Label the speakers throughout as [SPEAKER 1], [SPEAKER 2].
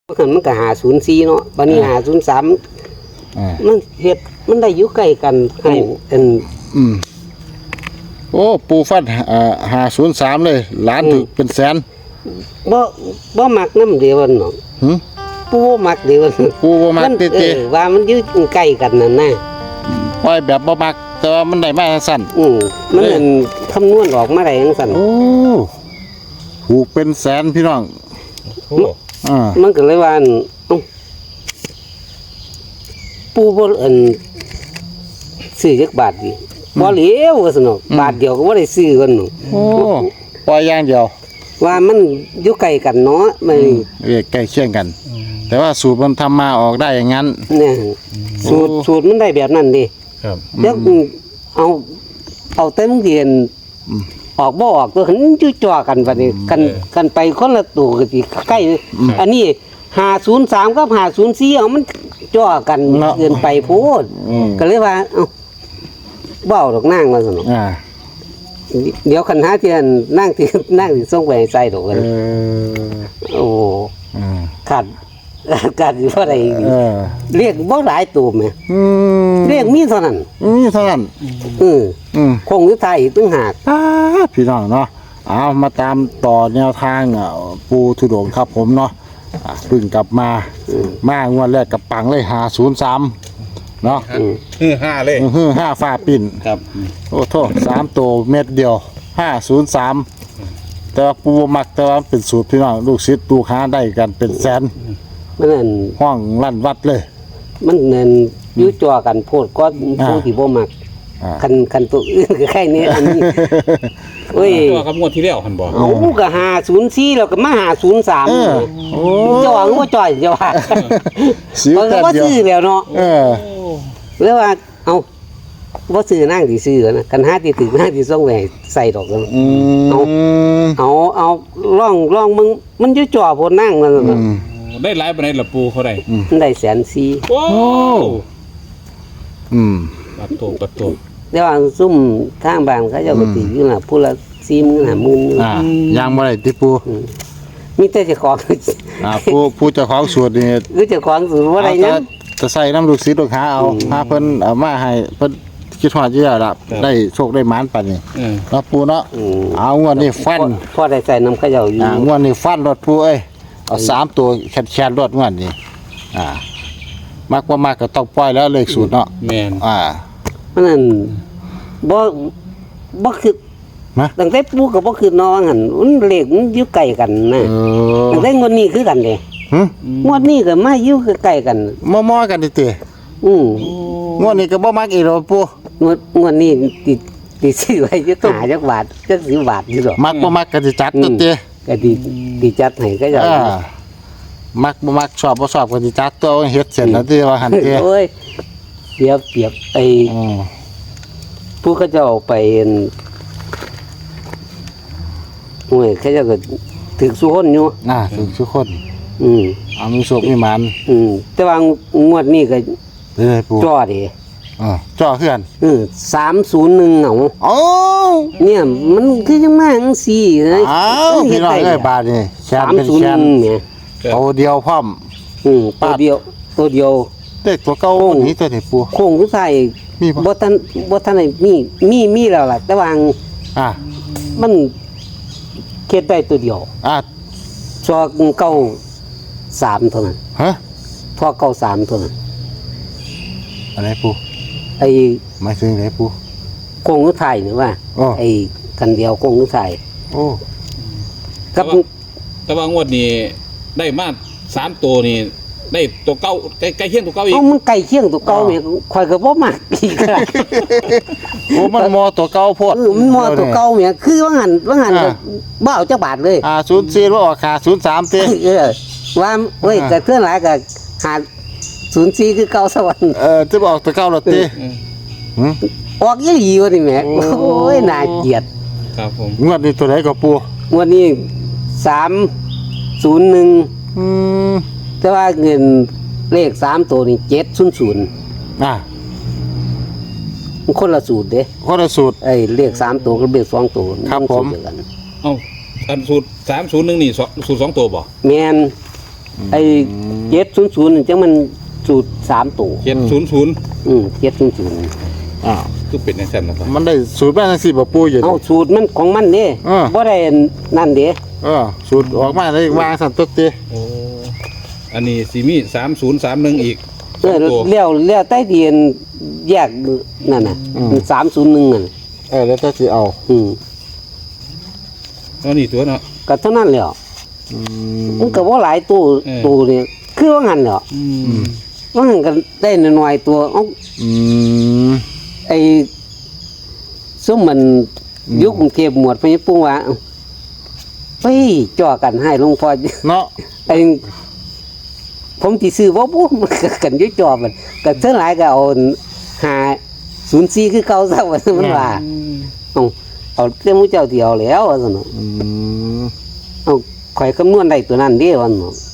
[SPEAKER 1] มันก็504เนาะบัดนี้503มันเฮ็ดมันได้อยู่ใกล้กันให้
[SPEAKER 2] โอ้ปูฟัด503เลยล้านถึงเป็นแสน
[SPEAKER 1] บ่มักนำเดียวเนาะปูบ่มักเดียว
[SPEAKER 2] ปูบ่มักติ
[SPEAKER 1] ว่ามันอยู่ใกล้กันนั่นน่ะ
[SPEAKER 2] ปล่อยแบบบ่มักแต่ว่ามันได้มาสั้น
[SPEAKER 1] มันคำนวณออกมาได้จังซั่น
[SPEAKER 2] โอ้ถูกเป็นแสนพี่น้อง
[SPEAKER 1] มันก็เลยว่าปูบ่ซื้อจักบาทดิบ่เหลียวว่าซั่นเนาะบาทเดียวก็บ่ได้ซื้อกันเนาะ
[SPEAKER 2] โอ้ปล่อยอย่างเดียว
[SPEAKER 1] ว่ามันอยู่ใกล้กันเนาะมัน
[SPEAKER 2] ใกล้เคียงกันแต่ว่าสูตรมันทำมาออกได้อย่างนั้น
[SPEAKER 1] เนี่ยสูตรมันได้แบบนั้นดิ
[SPEAKER 3] ครับ
[SPEAKER 1] แล้วเอาเต็มเรียนออกบ่ออกตัวหันอยู่จ่อกันบัดนี้กันไปคนละตัวก็สิใกล้อันนี้503กับ504เอามันจ่อกันเกินไปโพดก็เลยว่าเว้าดอกนางว่าซั่นเนาะเดี๋ยวคันหาเที่ยนนั่งสิส่งไปให้ใส่ดอกกันโอ้ขาดอยู่เท่าใดเรียกบ่หลายตัวแม่เรียกมีเท่านั้นคงอยู่ไทยตึงหาก
[SPEAKER 2] พี่น้องเนาะเอามาตามต่อแนวทางปูทุดงครับผมเนาะเพิ่งกลับมางวดแรกกับปังเลย503เนาะ
[SPEAKER 3] 5เลย
[SPEAKER 2] 5ฟ้าปิ่น
[SPEAKER 3] ครับ
[SPEAKER 2] โอ้โทษ3ตัวเม็ดเดียว503แต่ว่าปูมักแต่ว่าเป็นสูตรพี่น้องลูกศิษย์ลูกหาได้กันเป็นแสน
[SPEAKER 1] มันนั่น
[SPEAKER 2] ห้องลั่นวัดเลย
[SPEAKER 1] มันนั่นอยู่จ่อกันโพดก็ผู้ที่บ่มักคันตัวอื่นก็แค่นี้อันนี้
[SPEAKER 3] โอ้ยตัวกับงวดที่แล้วหั่นบ่
[SPEAKER 1] ก็504แล้วก็มา503
[SPEAKER 2] โอ้
[SPEAKER 1] จ่อก็บ่จ่อยจะว่ามันก็บ่ซื้อแล้วเนาะแล้วว่าบ่ซื้อนางสิซื้อนะคันหาที่ถึงนางสิส่งไว้ใส่ดอกเอาลองมึงมันอยู่จ่อโพดนางนั่นน่ะ
[SPEAKER 3] ได้หลายปานใดล่ะปูเขาได้
[SPEAKER 1] ได้104,000
[SPEAKER 3] โอ้ปัดโต
[SPEAKER 1] แต่ว่าซุ่มทางบ้านเขาเจ้าก็ติอยู่น่ะผู้ละ40,000 50,000
[SPEAKER 2] ยังบ่ได้ติปู
[SPEAKER 1] มีแต่เจ้าของ
[SPEAKER 2] ผู้เจ้าของสูตรนี่
[SPEAKER 1] คือเจ้าของสูตรบ่ได้หยัง
[SPEAKER 2] จะใส่น้ำลูกศิษย์ลูกหาเอาหาเพิ่นเอามาให้เพิ่นคิดฮอดอยู่แล้วล่ะได้โชคได้หมานปานนี้เนาะปูเนาะเอางวดนี้ฟัน
[SPEAKER 1] พอได้ใส่น้ำเขาเจ้าอยู่
[SPEAKER 2] งวดนี้ฟันรถปูเอ้ยเอา3ตัวแคนรถงวดนี้มักบ่มักก็ต้องปล่อยแล้วเลขสูตรเนาะ
[SPEAKER 3] แม่น
[SPEAKER 1] มันนั่นบ่คือตั้งแต่ปูก็บ่คือน้องหั่นมันเลขมันอยู่ใกล้กันนะตั้งแต่งวดนี้คือกันเด้งวดนี้ก็มาอยู่ใกล้กัน
[SPEAKER 2] มอๆกันติงวดนี้ก็บ่มักอีกแล้วปู
[SPEAKER 1] งวดนี้ติซื้อไว้อยู่หาจักบาทจัก10 บาทอยู่ดอก
[SPEAKER 2] มักบ่มักก็สิจัดตัวติ
[SPEAKER 1] ก็ดีจัดให้ก็จะ
[SPEAKER 2] มักบ่มักชอบบ่ชอบก็สิจัดตัวเฮ็ดเสร็จแล้วที่ว่าหั่นติ
[SPEAKER 1] โอ้ยเปรียบไอ้ผู้เขาจะเอาไปโอ้ยเขาจะก็ถึงสุคนอยู่
[SPEAKER 2] ถึงสุคนเอามีโชคมีหมาน
[SPEAKER 1] แต่ว่างวดนี้ก็จ่อดิ
[SPEAKER 2] จ่อคือกัน
[SPEAKER 1] 301
[SPEAKER 2] โอ้
[SPEAKER 1] เนี่ยมันคือจังมาจังซี่เลย
[SPEAKER 2] พี่น้องเอ้ยบาทนี่แชนเป็นแชน
[SPEAKER 1] เนี่ย
[SPEAKER 2] ตัวเดียวพร้อม
[SPEAKER 1] ตัวเดียว
[SPEAKER 2] เด็กตัวเก่านี่ตัวไหนปู
[SPEAKER 1] โค้งสุดท้ายบ่ทันได้มีแล้วล่ะแต่ว่ามันเฮ็ดได้ตัวเดียวซอเก่า3เท่านั้นพอเก่า3เท่านั้น
[SPEAKER 2] อะไรปูหมายถึงไหนปู
[SPEAKER 1] โค้งสุดท้ายนี่ว่าไอ้กันเดียวโค้งสุดท้าย
[SPEAKER 3] แต่ว่างวดนี้ได้มา3ตัวนี่ได้ตัวเก่าใกล้เคียงตัวเก่าอีก
[SPEAKER 1] มันใกล้เคียงตัวเก่าแม่ข่อยก็บ่มักอีก
[SPEAKER 2] โอ้มันมอตัวเก่าโพด
[SPEAKER 1] มันมอตัวเก่าแม่คือว่าหั่นก็บ่เอาจักบาทเลย
[SPEAKER 2] 04บ่ออก503ติ
[SPEAKER 1] ว่าเว้ยก็เทื่อหลายก็504คือเก่าสวรรค์
[SPEAKER 2] จะบอกตัวเก่าแล้วติ
[SPEAKER 1] ออกอีหลีว่านี่แม่โอ้ยน่าเกลียด
[SPEAKER 3] ครับผม
[SPEAKER 2] งวดนี้ตัวไหนก็ปู
[SPEAKER 1] งวดนี้301แต่ว่าเงินเลข3ตัวนี่700มันคนละสูตรเด้
[SPEAKER 2] คนละสูตร
[SPEAKER 1] เลข3ตัวกับเลข2ตัว
[SPEAKER 2] ครับผม
[SPEAKER 3] อันสูตร301นี่สูตร2ตัวบ่
[SPEAKER 1] แม่นไอ้700นี่จังมันสูตร3ตัว
[SPEAKER 3] 700
[SPEAKER 1] 700
[SPEAKER 2] อ้าว
[SPEAKER 3] คือเป็นจังซั่นล่ะครับ
[SPEAKER 2] มันได้สูตรมาจังซี่บ่ปูอยู่
[SPEAKER 1] เอาสูตรมันของมันเด้
[SPEAKER 2] เออ
[SPEAKER 1] บ่ได้นั่นเด้
[SPEAKER 2] สูตรออกมาได้วางสั่นตุ๊ดติ
[SPEAKER 3] โอ้อันนี้สิมี3031อีก
[SPEAKER 1] เออ
[SPEAKER 3] ตัว
[SPEAKER 1] แล้วใต้ดินแยกนั่นน่ะ301นั่น
[SPEAKER 2] แล้วแต่สิเอา
[SPEAKER 3] เอานี่ตัวเนาะ
[SPEAKER 1] ก็เท่านั้นแหล้ว
[SPEAKER 2] อืม
[SPEAKER 1] มันก็บ่หลายตู้
[SPEAKER 3] เออ
[SPEAKER 1] ตู้นี่คือว่างั้นแหล้ว ว่างั้นก็ได้น้อยๆตัวเอา
[SPEAKER 2] อืม
[SPEAKER 1] ไอ้ซุ่มมันยุคกรุงเทพหมวดพญปุ้งว่าเฮ้ยจ่อกันให้หลวงพ่อ
[SPEAKER 2] เนาะ
[SPEAKER 1] ไอ้ผมสิซื้อบ่ปุ๊มันก็กันอยู่จ่อมันก็เท่าหลายก็เอา504คือเก่าซะว่ามันว่าเอาแต่หมู่เจ้าที่เอาแล้วว่าซั่นเนาะ
[SPEAKER 2] อืม
[SPEAKER 1] เอาข่อยคำนวณได้ตัวนั้นเด้ว่าซั่นเนาะ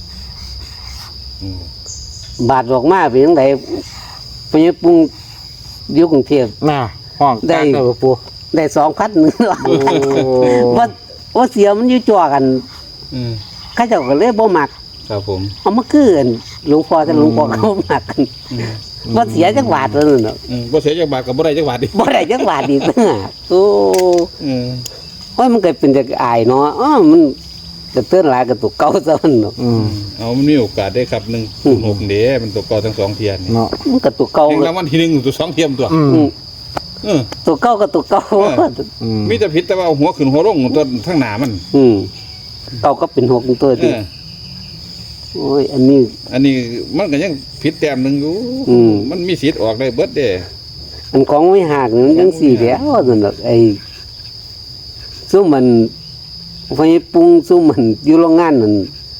[SPEAKER 1] บาทออกมาเป็นจังไดพญปุ้งอยู่กรุงเทพ
[SPEAKER 2] น่ะห้อง
[SPEAKER 1] ได้
[SPEAKER 2] กลางได้บ่ปู
[SPEAKER 1] ได้2,000นึง
[SPEAKER 2] โอ้
[SPEAKER 1] ว่าเสียมันอยู่จ่อกัน
[SPEAKER 3] อืม
[SPEAKER 1] เขาเจ้าก็เลยบ่มัก
[SPEAKER 3] ครับผม
[SPEAKER 1] เอามาคืนหลวงพ่อแต่หลวงพ่อเขาบ่มักกันว่าเสียจักบาทแล้วนั่นเนาะ
[SPEAKER 3] บ่เสียจักบาทก็บ่ได้จักบาทดิ
[SPEAKER 1] บ่ได้จักบาทอีกนะโอ้
[SPEAKER 3] อืม
[SPEAKER 1] โอ้ยมันก็เป็นจักอายเนาะมันก็เตือนหลายกับตัวเก่าซะมันเนาะ
[SPEAKER 2] อืม
[SPEAKER 3] เอามันมีโอกาสได้ครับ106เด้มันตัวเก่าทั้งสองเทียนนี่
[SPEAKER 2] เนาะ
[SPEAKER 1] มันก็ตัวเก่า
[SPEAKER 3] แห่งรางวัลที่1ตัว2เทียมตัว
[SPEAKER 2] อืม
[SPEAKER 3] เออ
[SPEAKER 1] ตัวเก่าก็ตัวเก่า
[SPEAKER 2] อืม
[SPEAKER 3] มีแต่ผิดแต่ว่าเอาหัวขึ้นหัวลงตัวทั้งหน้ามัน
[SPEAKER 1] เก่าก็เป็น6ตัว
[SPEAKER 3] เอ
[SPEAKER 1] ติ
[SPEAKER 3] อ
[SPEAKER 1] โอ้ยอันนี้
[SPEAKER 3] อันนี้มันก็ยังผิดแต้มหนึงอยู่
[SPEAKER 1] อืม
[SPEAKER 3] มันมีสิทธิ์ออกได้เบิดเด้
[SPEAKER 1] อันของไม่หักนี่มันจังซี่แหล้วนั่นดอกไอ้ซุมมันไฟปรุงซุมมันอยู่โรงงานนั่น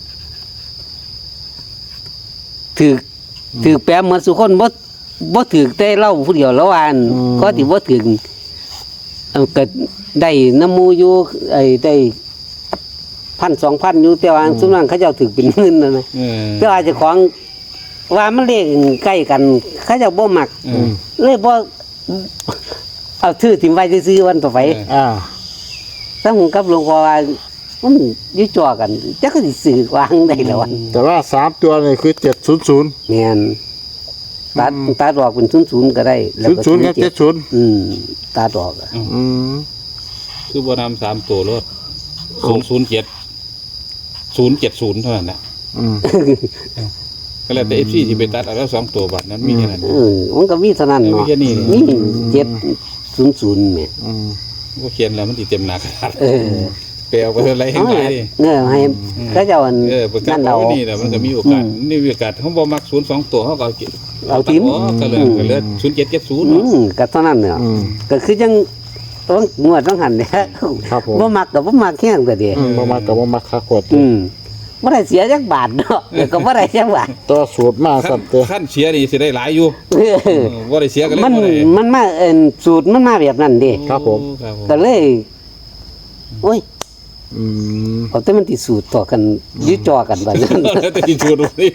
[SPEAKER 1] ถือแปมเหมือนสุคนบ่ถือแต่เล่าผู้เดียวแล้วอันก็ที่บ่ถือก็ได้น้ำมูอยู่ไอ้ได้1,000-2,000อยู่แต่ว่าซุมนั้นเขาเจ้าถือเป็นหมื่นนั่นนะ
[SPEAKER 3] เออ
[SPEAKER 1] แต่ว่าเจ้าของว่ามันเลขใกล้กันเขาเจ้าบ่มัก
[SPEAKER 3] เออ
[SPEAKER 1] เลยบ่เอาชื่อถิ่มไว้ซื้อๆวันต่อไป
[SPEAKER 2] อ่า
[SPEAKER 1] ถ้าผมกับหลวงพ่อว่ามันอยู่จ่อกันจักก็สิซื้อวางได้แล้ววัน
[SPEAKER 2] แต่ว่า3ตัวนี่คือ700
[SPEAKER 1] แม่นตัดออกเป็น00ก็ได้แล้วก็
[SPEAKER 2] 00กับ70
[SPEAKER 1] ตัดออกอะ
[SPEAKER 2] อืม
[SPEAKER 3] คือบ่นำ3ตัวรถ007 เท่านั้นแหละ
[SPEAKER 2] อืม
[SPEAKER 3] ก็แล้วแต่ FC ที่ไปตัดเอาแล้ว2ตัวบัดนั้นมีแค่นั้น
[SPEAKER 1] มันก็มีเท่านั้นเนาะ
[SPEAKER 3] มีแค่นี้
[SPEAKER 1] มี700แม่
[SPEAKER 2] อืม
[SPEAKER 3] ก็เขียนแล้วมันสิเต็มหน้ากระดาษ
[SPEAKER 1] เออ
[SPEAKER 3] ไปเอาไปอะไรให้
[SPEAKER 1] เอา
[SPEAKER 3] ไหน
[SPEAKER 1] ให้เขาเจ้าอัน
[SPEAKER 3] ประกา
[SPEAKER 1] นั่
[SPEAKER 3] ศ
[SPEAKER 1] นเรา
[SPEAKER 3] ว่านี่แหละมันก็มีโอกาสนี่มีโอกาสเขาบ่มัก02ตัวเขาก็
[SPEAKER 1] เอาทิ้ง
[SPEAKER 3] ก็เลย0770
[SPEAKER 1] ก็เท่านั้นเนาะก็คือจังต้องงวดต้องหันเนี่ย
[SPEAKER 2] ครับผม
[SPEAKER 1] บ่มักก็บ่มักแค่นั้นแต่เดียว
[SPEAKER 2] บ่มากับบ่มาคักกด
[SPEAKER 1] บ่ได้เสียจักบาทเนาะแล้วก็บ่ได้จักบาท
[SPEAKER 2] ตัวสูตรมาสั่นเตอ
[SPEAKER 3] ขั้นเสียนี่สิได้หลายอยู่บ่ได้เสียก็เลย
[SPEAKER 1] มัน
[SPEAKER 3] บ่ได้
[SPEAKER 1] มันมาสูตรมันมาแบบนั้นเด้
[SPEAKER 2] ครับผม
[SPEAKER 3] ครับผม
[SPEAKER 1] ก็เลยโอ้ย
[SPEAKER 2] อืม
[SPEAKER 1] เอาแต่มันสิสูตรต่อกันอยื้อจอกันบัดนั้น
[SPEAKER 3] แล้วแต่ที่ชูดูนี่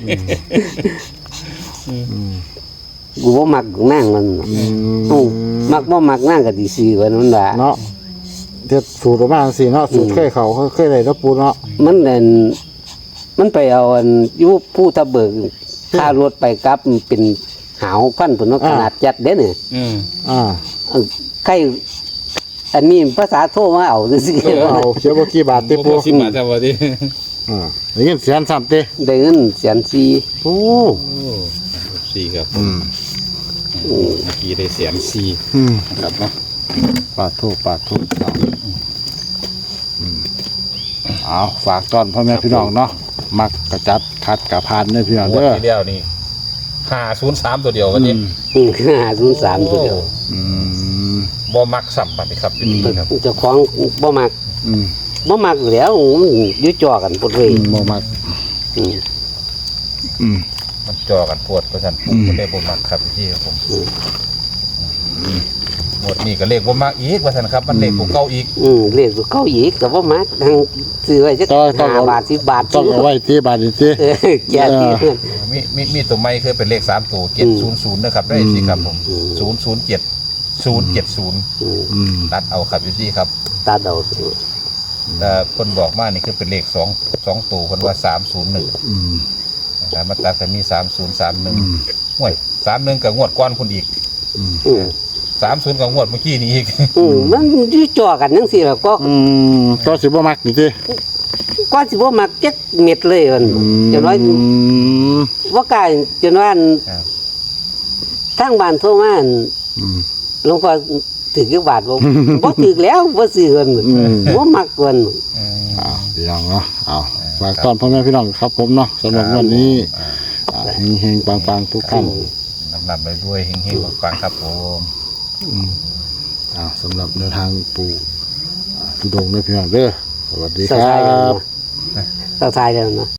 [SPEAKER 1] กูบ่มักนั่งมันมักบ่มักนั่งก็สิซื้อไว้นั่นล่ะ
[SPEAKER 2] เนาะเฮ็ดสูตรออกมาจังซี่เนาะสูตรเคยเขาเคยได้เนาะปูเนาะ
[SPEAKER 1] มันไปเอาอันอยู่ผู้ตะเบิกค่ารถไปกลับมันเป็นหาวพันพุ่นเนาะขนาดจัดเด้เนี่ย
[SPEAKER 2] อ่า
[SPEAKER 1] ใครอันนี้ภาษาโทรมาเอาซื่อ
[SPEAKER 2] เอาเขียวบ่กี่บาทติ
[SPEAKER 3] บ่
[SPEAKER 2] ปู
[SPEAKER 3] พอ10 บาทซะบ่ดิ
[SPEAKER 2] ได้ยินเสียงซ้ํติ
[SPEAKER 1] ๆได้เงินแสนสี่
[SPEAKER 2] โอ้
[SPEAKER 3] สี่ครับ
[SPEAKER 2] อืม
[SPEAKER 3] เมื่อกี้ได้104
[SPEAKER 2] อืม
[SPEAKER 3] นะครับเนาะ
[SPEAKER 2] ปาดโทเอาฝากต้อนพ่อแม่พี่น้องเนาะมักกระจัดคัดกระพานเด้อพี่น้อง
[SPEAKER 3] งวด
[SPEAKER 2] เด้อ
[SPEAKER 3] ที่แล้วนี่503ตัวเดียววันนี้
[SPEAKER 1] 503ตัวเดียว
[SPEAKER 2] อืม
[SPEAKER 3] บ่มักซ้ำบัดนี้ครับครับ
[SPEAKER 1] เจ้าของบ่มัก
[SPEAKER 2] อืม
[SPEAKER 1] บ่มักแล้วมันอยื้อจอกันพุ่นเลย
[SPEAKER 2] บ่มัก
[SPEAKER 1] อืม
[SPEAKER 2] อืม
[SPEAKER 3] มันจ่อกันปวดเพราะฉะนั้นผมก็ได้บ่มักครับพี่ครับผมหมดนี่ก็เลขบ่มักอีกว่าซั่นครับมันเลขบ่เก่าอีก
[SPEAKER 1] เรียกตัวเก้าอีกก็บ่มักทางซื้อไว้จัก5 บาท10 บาท
[SPEAKER 2] ต้องเอาไว้ที่บาทนี่ติ
[SPEAKER 1] แก่ที่เพื่อน
[SPEAKER 3] มีตัวใหม่คือเป็นเลข3ตัว700นะครับได้สิครับผม007 070
[SPEAKER 2] อืม
[SPEAKER 3] ตัดเอาครับอยู่ที่ครับ
[SPEAKER 1] ตาเดา
[SPEAKER 3] แต่คนบอกมานี่คือเป็นเลข 2ตัวคนว่า301
[SPEAKER 2] อืม
[SPEAKER 3] นะครับมาตัดแต่มี3031ห่วย31กับงวดก้อนคุณอีก
[SPEAKER 1] อืม
[SPEAKER 3] 30กับงวดเมื่อกี้นี้อีก
[SPEAKER 1] มันอยู่จ่อกันจังซี่ล่ะก็
[SPEAKER 2] ก็สิบ่มักนี่ติ
[SPEAKER 1] ก็สิบ่มักจักเม็ดเลยมันจนว่าบ่กล้าจนว่า
[SPEAKER 3] ครับ
[SPEAKER 1] ทางบ้านโทรมาอั่น
[SPEAKER 2] อืม
[SPEAKER 1] หลวงพ่อถึกกี่บาทบ่ บ่ถึกแล้วบ่ซื้อเพิ่นบ่มักเพิ่น
[SPEAKER 2] พี่น้องเนาะเอาฝากตอนพ่อแม่พี่น้องครับผมเนาะสำหรับวันนี้เฮงๆปังๆทุกท่าน
[SPEAKER 3] นำไปด้วยเฮงๆปังๆครับผม
[SPEAKER 2] สำหรับแนวทางปู่ทุดงค์ด้วยพี่น้องเด้อสวัสดี
[SPEAKER 1] ส
[SPEAKER 2] ค
[SPEAKER 1] บาย
[SPEAKER 2] รั
[SPEAKER 1] แล้ว
[SPEAKER 2] บ
[SPEAKER 1] เนาะสบายแล้วเนาะ